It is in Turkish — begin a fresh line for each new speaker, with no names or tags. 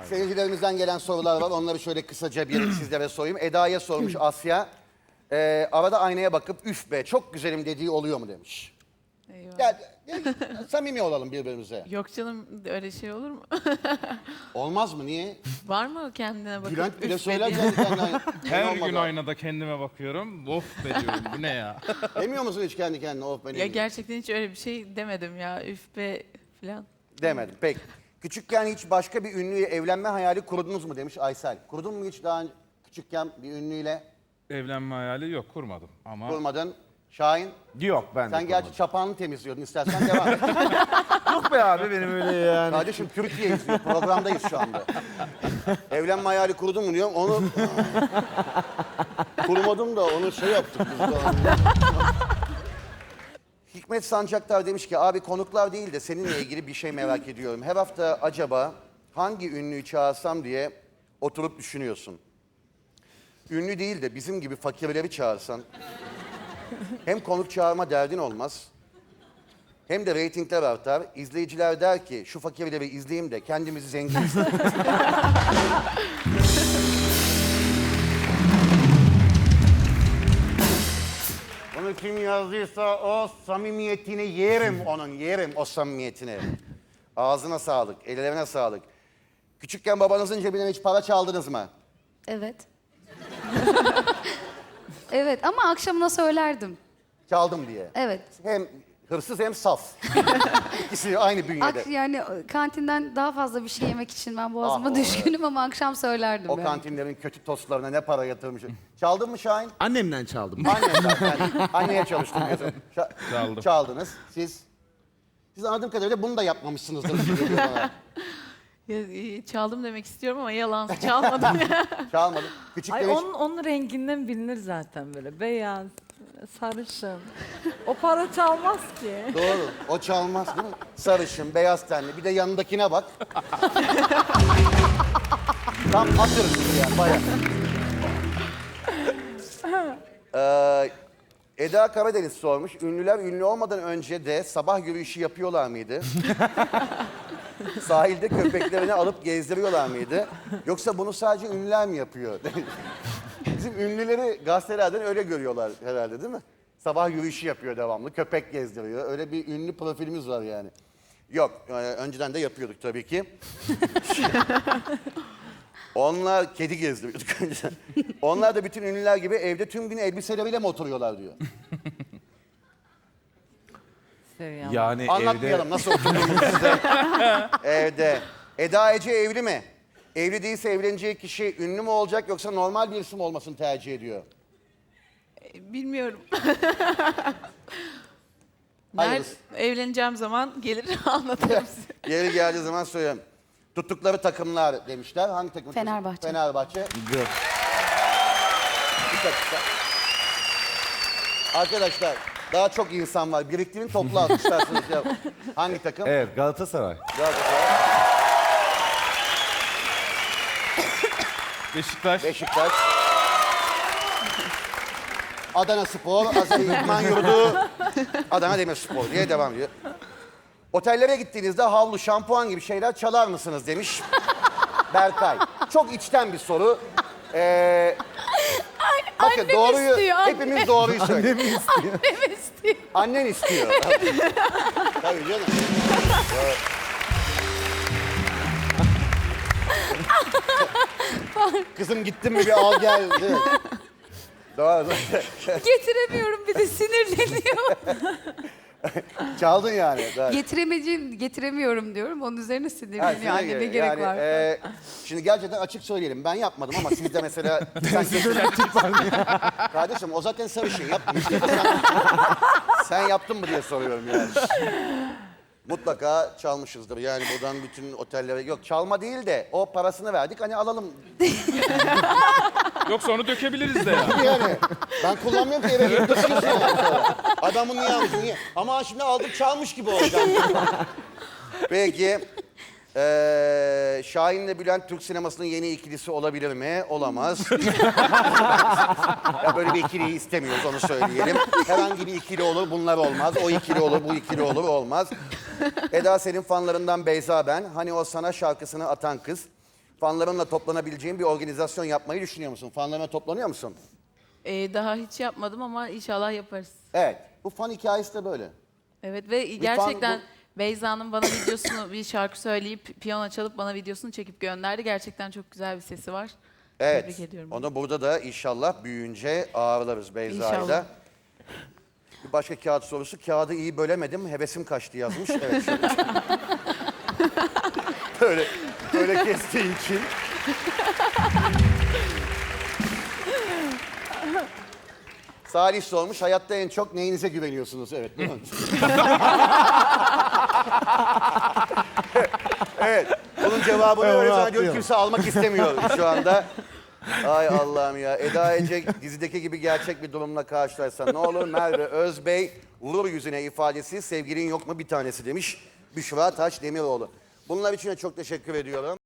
Seyircilerimizden gelen sorular var. Onları şöyle kısaca bir sizlere sorayım. Eda'ya sormuş Asya. Arada aynaya bakıp üf be çok güzelim dediği oluyor mu demiş.
Eyvah.
Ya, samimi olalım birbirimize.
Yok canım öyle şey olur mu?
Olmaz mı? Niye?
Var mı kendine bakıp
Bülent bile
üf
söyler
dediğin?
kendi kendine.
Her
Olmadı.
gün aynada kendime bakıyorum. Of be diyorum. Bu ne ya?
Demiyor musun hiç kendi kendine? Of beni
Ya gerçekten hiç öyle bir şey demedim ya üf be falan.
Demedim. Peki. Küçükken hiç başka bir ünlüyle evlenme hayali kurdunuz mu demiş Aysel. Kurdun mu hiç daha önce küçükken bir ünlüyle?
Evlenme hayali yok, kurmadım. Ama
Kurmadın. Şahin,
Yok ben de
sen gerçi çapağını temizliyordun. İstersen devam et.
Yok be abi benim öyle yani.
Kardeşim Türkiye izliyor. Programdayız şu anda. Evlenme hayali kurdun mu diyorum. Onu kurmadım da onu şey yaptık biz de. Hikmet Sancaktar demiş ki abi konuklar değil de seninle ilgili bir şey merak ediyorum. Her hafta acaba hangi ünlüyü çağırsam diye oturup düşünüyorsun. Ünlü değil de bizim gibi fakirleri çağırsan hem konuk çağırma derdin olmaz hem de reytingler artar. İzleyiciler der ki şu fakirleri izleyeyim de kendimizi zengin hissedelim. Bunu kim yazdıysa o samimiyetini yerim onun, yerim o samimiyetini. Ağzına sağlık, ellerine sağlık. Küçükken babanızın cebinden hiç para çaldınız mı?
Evet. Evet ama akşamına söylerdim.
Çaldım diye.
Evet.
Hem hırsız hem saf. İkisi aynı bünyede.
Yani kantinden daha fazla bir şey yemek için ben boğazıma
Ah,
düşkünüm ama akşam söylerdim.
O
yani.
kantinlerin kötü tostlarına ne para yatırmış. Çaldın mı Şahin?
Annemden çaldım.
Anne zaten. Anneye çalıştın diyorsun.
Çaldım.
Çaldınız. Siz anladığım kadarıyla bunu da yapmamışsınızdır. gibi geliyor bana.
Ya, çaldım demek istiyorum ama yalan çalmadım ya.
Çalmadım. Küçükken
Ay
hiç...
onun renginden bilinir zaten böyle beyaz, sarışın. O para çalmaz ki.
Doğru. O çalmaz değil mi? Sarışın, beyaz tenli. Bir de yanındakine bak. Tam atırız yani bayağı. Eda Karadeniz sormuş. Ünlüler ünlü olmadan önce de sabah yürüyüşü yapıyorlar mıydı? Sahilde köpeklerini alıp gezdiriyorlar mıydı? Yoksa bunu sadece ünlüler mi yapıyor? Bizim ünlüleri gazetelerden öyle görüyorlar herhalde değil mi? Sabah yürüyüşü yapıyor devamlı, köpek gezdiriyor. Öyle bir ünlü profilimiz var yani. Yok, önceden de yapıyorduk tabii ki. Onlar kedi gezdiriyorduk önceden. Onlar da bütün ünlüler gibi evde tüm gün elbiseleriyle mi oturuyorlar diyor.
Seviyorum.
Yani
Anlatmayalım nasıl oturduğumuzu size. Evde. Eda Ece evli mi? Evli değilse evleneceği kişi ünlü mü olacak yoksa normal bir isim olmasını tercih ediyor?
Bilmiyorum.
Hayırlısı.
Evleneceğim zaman gelir anlatırım size.
Yeri geldiği zaman söylüyorum. Tuttukları takımlar demişler. Hangi takım?
Fenerbahçe.
Fenerbahçe. Bir dakika. Arkadaşlar daha çok insan var. Biriktirin toplu alkışlarsınız ya. Hangi takım?
Evet Galatasaray.
Galatasaray,
Beşiktaş.
Beşiktaş. Adana Spor, Azeri İdman Yurdu, Adana Demirspor diye devam ediyor. Otellere gittiğinizde havlu, şampuan gibi şeyler çalar mısınız demiş Berkay. Çok içten bir soru. Bakın
annem
doğruyu,
istiyor, annem.
hepimiz doğruyu söylüyoruz.
Annem istiyor.
Annen istiyor. Tabii canım. Kızım gittin mi bir al gel. Değil mi? Doğru.
Getiremiyorum bir de sinirleniyor.
Çaldın yani. Doğru.
Getiremiyorum diyorum. Onun üzerine
Ha,
sinirleniyor.
size
Anne ne
göre.
gerek
Yani,
var?
şimdi gerçekten açık söyleyelim. Ben yapmadım ama siz de mesela... Kardeşim o zaten sarışın yapmış. Sen yaptın mı diye soruyorum yani. Mutlaka çalmışızdır. Yani buradan bütün otellere... Yok çalma değil de o parasını verdik hani alalım.
Yoksa onu dökebiliriz de ya.
Yani ben kullanmıyorum ki eve gidip taşıyorsun yani sonra. Adamın niye almış niye? Ama şimdi aldık çalmış gibi olacağım. Peki. Şahin'le Bülent Türk sinemasının yeni ikilisi olabilir mi? Olamaz. Ya böyle bir ikiliyi istemiyoruz onu söyleyelim. Herhangi bir ikili olur bunlar olmaz. O ikili olur bu ikili olur olmaz. Eda senin fanlarından Beyza ben. Hani o sana şarkısını atan kız. fanlarınla toplanabileceğin bir organizasyon yapmayı düşünüyor musun? Fanlarına toplanıyor musun?
Daha hiç yapmadım ama inşallah yaparız.
Evet. Bu fan hikayesi de böyle.
Evet ve gerçekten Beyza'nın bana videosunu bir şarkı söyleyip piyano çalıp bana videosunu çekip gönderdi. Gerçekten çok güzel bir sesi var.
Evet.
Tebrik ediyorum.
Onu burada da inşallah büyüyünce ağırlarız Beyza'yla.
İnşallah.
Bir başka kağıt sorusu. Kağıdı iyi bölemedim, hevesim kaçtı yazmış. Evet. Şöyle. böyle kestiği için. Salih sormuş, hayatta en çok neyinize güveniyorsunuz? Evet, değil mi? Evet, bunun cevabını öyle zannediyorum kimse almak istemiyor şu anda. Ay Allah'ım ya. Eda Ece dizideki gibi gerçek bir durumla karşılaşsa ne olur? Merve Özbey vurur yüzüne ifadesi sevgilin yok mu bir tanesi demiş Büşra Taş Demiroğlu. Bunlar için de çok teşekkür ediyorum.